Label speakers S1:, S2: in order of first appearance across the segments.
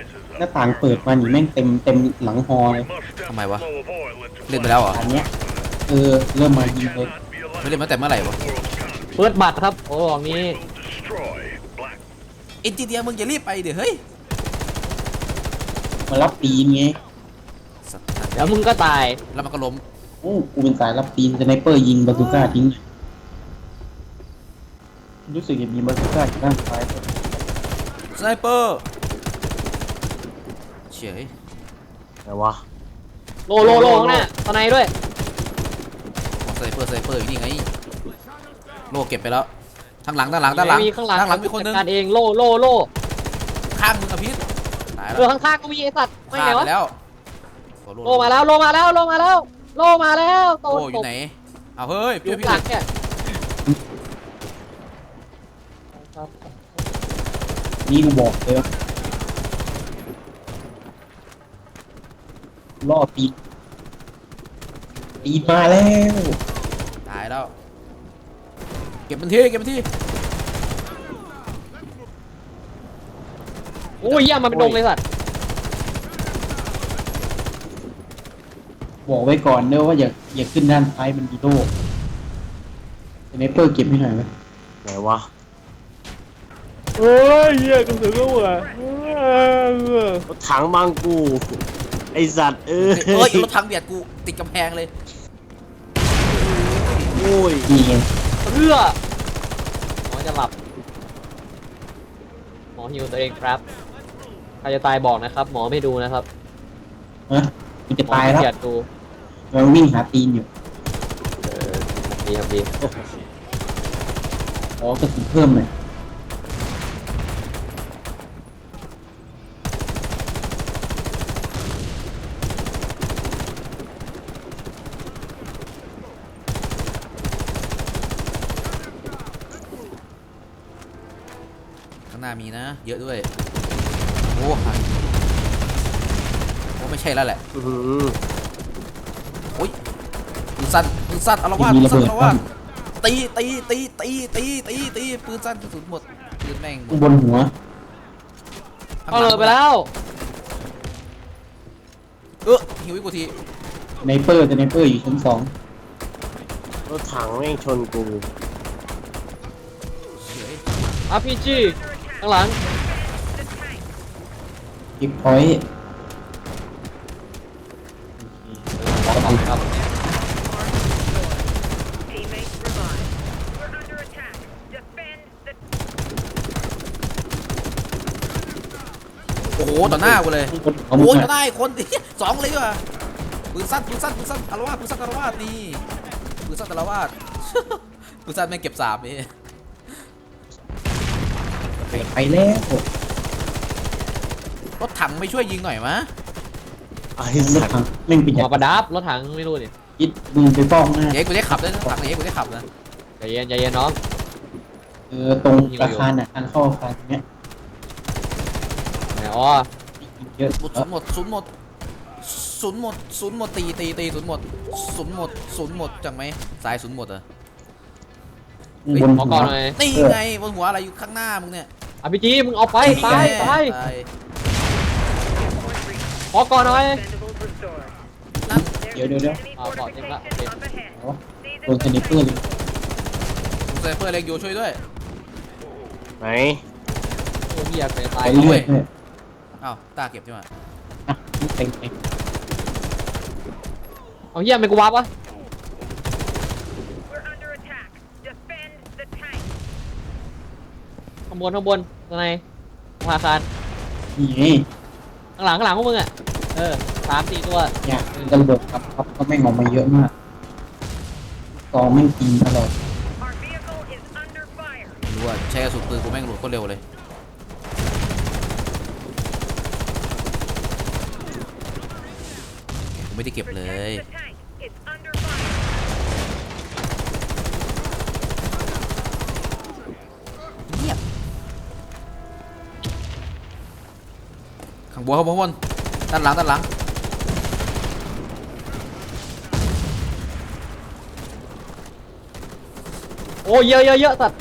S1: หน้าต่างเปิดมาหนีแม่งเต็มหลังฮอเลย
S2: ทำไมวะเล่นไปแล้วเหรอ
S1: อันเนี้ยเริ่มมายิงเลย
S2: ไม่เล่นมาแต่เมื่อไหร่วะ
S3: เปิดบัตรครับโอ้บอกนี้
S2: เอ็นจิเนียร์มึงอย่ารีบไปเดี๋ยวเฮ้ย
S1: มารับปีนไง
S2: สัตว์
S3: เดี๋ยวมึงก็ตาย
S2: แล้วมันก็ล้ม
S1: โอ้กูเป็นสายรับปีนสไนเปอร์ยิงบาซูก้าทิ้งรู้สึกจะมีบาซูก้าอยู่ด้านซ้ายด้วย
S2: สไนเปอร์เฉย
S4: ไหนวะ
S3: โลข้างหน้าตอนไหนด้วย
S2: สไนเปอร์อยู่นี่ไงโลเก็บไปแล้วทางหลัง
S3: มีข้างหลัง
S2: ทางหลังมีคนนึง
S3: จัดการเองโล
S2: ข้างมึงอะพีทตายแล้ว
S3: ข้างๆก็มีไอสัตว์ไม่
S2: ฆ่า
S3: ไหน
S2: ไป
S3: วะ
S2: แล้ว
S3: โลมาแล้วโต
S2: โอ้อยู่ไหนเอาเฮ้ย
S3: อยู่
S2: พี่
S3: หลังเนี่ย
S1: นี่กูบอกเลยว่าล่อปีนมาแล้ว
S2: ตายแล้วเก็บมันที่
S3: โอ้ยเยี่ยมมันเป็นดงเลยสัตว์
S1: บอกไว้ก่อนเนอะว่าอย่าขึ้นด้านซ้ายมันมีโล่สไนเปอร์เก็บให้หน่อยไหม
S4: ไหนวะ
S3: เฮ้ยเยี่ยกระสือก็เหรอ
S4: รถถังบางกูไอสัตว์
S2: เอ้ยรถถังเบียดกูติดกำแพงเลย
S4: โอ้ย
S1: นี่ไง
S3: เพื่อหมอจะหลับหมอฮิวตัวเองครับใครจะตายบอกนะครับหมอไม่ดูนะครับ
S1: ฮะกูจะ
S3: หมอ
S1: ตาย
S3: ขี้
S1: แล้ว
S3: เกียจดู
S1: เราวิ่งหาตีนอยู่
S3: ดีครับดี
S1: ขอกระสุนเพิ่มหน่อย
S2: ข้างหน้ามีนะเยอะด้วยโอ้ไม่ใช่แล้วแหละ
S4: อื้อหือ
S2: โอ้ยปืนสั้นอารวาส
S1: มี
S2: ปืน
S1: ระ
S2: สั้น
S1: เบิด
S2: อารวาสตีปืนสั้นกระสุนหมดปืนแม่งหม
S1: ข้าง
S2: ด
S1: บนหัว
S3: เข้าเลยไปแล้ว
S2: หิวอีกกูที
S1: สไนเปอร์อยู่ชั้น2
S4: รถถังแม่งชนกู
S2: เฉย
S3: RPG ข้างหลัง
S1: เก็บพอยต์
S3: ครับ
S5: Teammates revived. We're under attack. Defend the
S2: โอ้โหต่อหน้ากูเลย
S1: ข้างบนหัว
S2: โอ้
S1: มึ
S2: ย
S1: ง
S2: ต่อห
S1: อะ
S2: น้าอีกคนสองเลยว่ะปืนสั้นอารวาสปืนสั้นอารวาสนี่ปืนสั้นอารวาส ปืนสั้นแม่งเก็บ3นี่
S1: ไปแล้ว
S2: รถถังไม่ช่วยยิงหน่อยมะ
S4: ไอ
S1: รถ
S4: สัตว์
S1: ถังแม่งเป็น
S3: ห
S1: อ
S3: ม
S1: ย่า
S3: อง ประดับรถถังไม่รู้ดิ
S1: คิดมึงไปฟ้องหน้า
S2: เย้กูได้ขับเลยรถถังเย้กูได้ขับนะ
S3: ใจเย็นน้อง
S1: ตรงอาคารน่ะทางเข้าอาคารตรงเนี้ย
S3: ไหนอ๋อ
S1: เยอะ
S2: ศูนย์หมดตีศูนย์หมดจังไหมสายศูนย์หมดเหรอบ
S1: น
S3: ขอ
S1: หั
S3: ก่
S1: ว
S3: อนหน่อย
S2: นี่ไงบนหัวอะไรอยู่ข้างหน้ามึงเนี่ย
S3: RPG มึงเอาไปตาย
S2: ตาย
S3: ขอก่อนหน่อย
S5: expendables restored.
S2: นั่น
S1: เดี๋ยว
S5: Enemy
S3: Ah, bỏ thêm lại,
S5: fortification
S3: ok.
S5: up ahead.
S1: โดนสไนเปอร์เลย
S2: สไนเปอร์เล็กอยู่ช่วยด้วย
S4: ไหน
S3: โอ้เฮียไปตา
S1: ไป
S3: ย
S1: เรื่อยเลย
S2: อ้าวตาเก็บใช่ไหม
S1: อ่ะเต็ง
S3: เอาเฮียไม่กูวับวะ
S5: We're under attack. Defend the tank.
S3: ข้างบนตรงไหนอาคาร
S1: นี่ไง
S3: ข้างหลังพวกมึงอ่ะ3-4 ตัว
S1: เนี่ยระเบิดครับก็แม่งออกมาเยอะมากกองแม่งกินตลอด
S5: Our vehicle is under fire.
S2: รู้ว่าใช้กระสุนปืนกูแม่งหลุดโคตรเร็วเลยกูไม่ได้เก็บเลย
S5: Protect the tank. It's under fire.
S2: เงียบข้างบนด้านหลัง
S3: โอ้เยอะสัตว์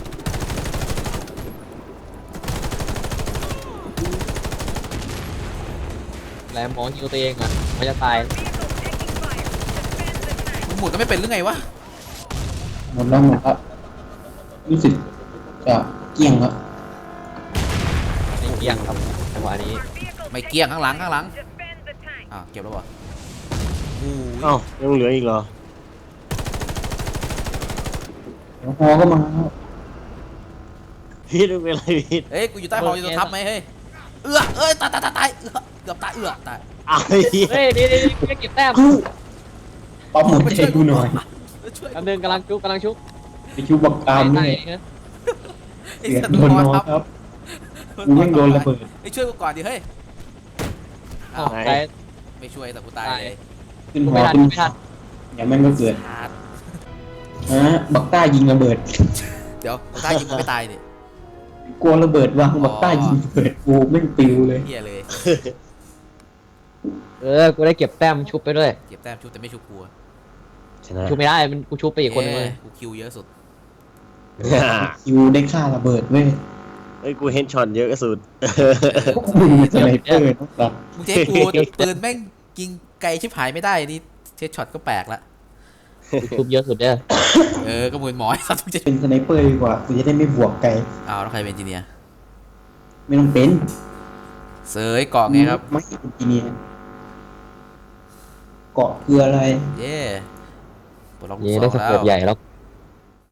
S3: แล้วหมอฮิวตัวเองอ่ะมันจะตาย
S5: Vehicle taking fire. Defend the tank.
S2: มึงหมุนก็ไม่เป็นหรือไงวะ
S1: หมดแล้วรู้สึกจะเกลี้ยงแล้ว
S3: ไม่เกี่ยงครับจังหวะนี้
S5: Our vehicle
S2: ไม่
S5: taking
S2: เกี้ยงข้างหลังข้างหลัง
S5: fire. Defend the tank.
S2: อ่ะเก็บแล้ววะอู้ย
S4: เอ้ายังเหลืออีกเหรอ
S1: เดี๋ยวฮอก็มาแล้ว
S4: พีทเป็นไรพีท
S2: เฮ้ยกูอยู่ใต้หออยู่ตัวทับไหมเฮ้ยเอ้ยตายเกือบตายตาย
S4: อ้าวไอ้เหี้ย
S3: เฮ้ยนี่ไม่เก็บแต้ม
S1: ปั๊มหัวใจกูหน่อย
S2: ช่วย
S3: กำลังกำลังชุบกำลังชุบ
S1: ไปชูบักกามด้วย
S2: ไอ้
S1: เสีย
S2: สัตว์
S1: โดนน้องครับกูแม่งโดนระเบิด
S2: ไอ้ช่วยกูก่อนดิเฮ้ย
S3: อ้าวไป
S2: ไม่ช่วยแต่กูตายเลย
S1: ขึ้นหอ
S3: ไม่ทัน
S1: ขึ้น
S3: ไม่ทัน
S1: อย่าแม่งก็เกิด
S2: ขาด
S1: ฮะบักต้ายิงระเบิด
S2: เดี๋ยวกูตายยิงกูไม่ตายดิ
S1: กลัวระเบิดวางบักต้ายิงระเบิดกูแม่งปิวเลย
S2: เฮียเลย
S3: กูได้เก็บแต้มชุบไปด้วย
S2: เก็บแต้มชุบแต่ไม่ชุบกู
S4: ชนะ
S3: ชุบไม่ได้มันกูชุบไปอีกคนนึงเลย
S2: กูคิวเยอะสุด
S1: คิวได้ฆ่าระเบิดเว้ย
S4: เฮ้ยกูเห็นช็อตเยอะสุด
S1: มึงสไนเปอร์นะครับ
S2: มึงจะให้กูปืนแม่งยิงไกลชิบหายไม่ได้นี่เทสช็อตก็แปลกละ
S3: กูชุบเยอะสุดเด้อ
S2: ก็เหมือนหมอไอ้สัตว์มึงจะ
S1: เป็นสไนเปอร์ดีกว่ากูจะได้ไม่บวกไกล
S2: อ้าวแล้วใครเป็นเอนจิเนียร์
S1: ไม่ต้องเป็น
S2: เสยเกาะไงครับ
S1: ไม่ใช่อินจิเนียร์เกาะคืออะไร
S2: เย่ปลดล็อกลู
S3: เย่
S2: ก
S3: ได้
S2: ศ
S3: ส
S2: ร
S3: โค
S2: แล้
S3: ป
S2: ว
S3: ใหญ่แล้ว